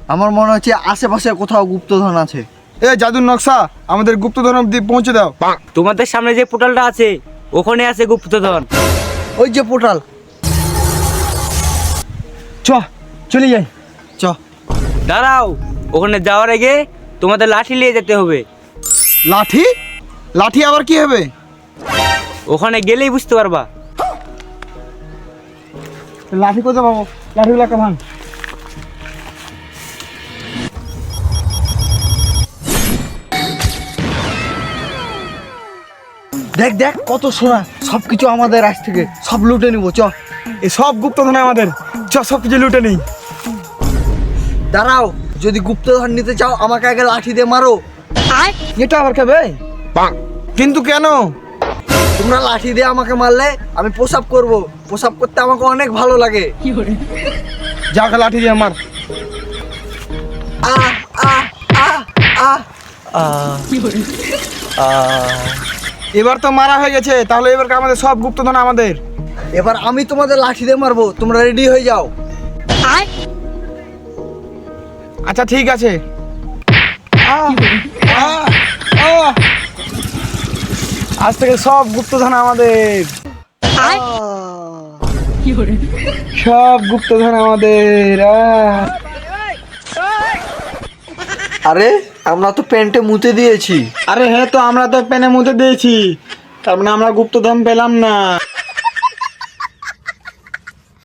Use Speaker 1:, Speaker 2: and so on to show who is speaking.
Speaker 1: আমার মনে হচ্ছে আশেপাশে কোথাও গুপ্তধন আছে।
Speaker 2: এ জাদুর নকশা, আমাদের গুপ্তধন অব্দি পৌঁছে দাও।
Speaker 3: তোমাদের সামনে যে পোর্টালটা আছে ওখানে আছে গুপ্তধন।
Speaker 1: ওই যে পোর্টাল।
Speaker 2: চলে যাই।
Speaker 1: চ।
Speaker 3: দাঁড়াও, ওখানে যাওয়ার আগে তোমাদের লাঠি নিয়ে যেতে হবে।
Speaker 2: লাঠি? লাঠি আবার কি হবে?
Speaker 3: ওখানে গেলেই বুঝতে পারবা।
Speaker 2: লাঠি কোথায় পাবো? লাঠিগুলো একটা ভাঙ।
Speaker 1: দেখ দেখ কত সোনা, সবকিছু আমাদের আজ থেকে সব লুটে নিবো। চ।
Speaker 2: এই সব গুপ্তধন আমাদের, সব কিছু লুটে নেই।
Speaker 1: দাঁড়াও, যদি গুপ্তধন নিতে চাও আমাকে আগে লাঠি দিয়ে মারো।
Speaker 2: এটা আবার খাবে? কিন্তু কেন?
Speaker 1: তোমরা লাঠি দিয়ে আমাকে মারলে আমি প্রসাব করব। প্রসাব করতে আমাকে অনেক ভালো লাগে।
Speaker 2: যাক লাঠি দিয়ে আমার।
Speaker 1: আহ আহ আহ আহ আহ।
Speaker 2: এবার তো মারা হয়ে গেছে, তাহলে এবার আমাদের সব গুপ্তধন আমাদের।
Speaker 1: এবার আমি তোমাদের লাঠি দিয়ে মারবো, তোমরা রেডি হয়ে যাও।
Speaker 2: আচ্ছা ঠিক আছে। আজ থেকে সব গুপ্তধন আমাদের, সব গুপ্তধন আমাদের।
Speaker 1: আরে আমরা তো প্যান্টে মুতে দিয়েছি।
Speaker 2: আরে হ্যাঁ, তো আমরা তো পেনে মুতে দিয়েছি, তার মানে আমরা গুপ্তধন পেলাম না।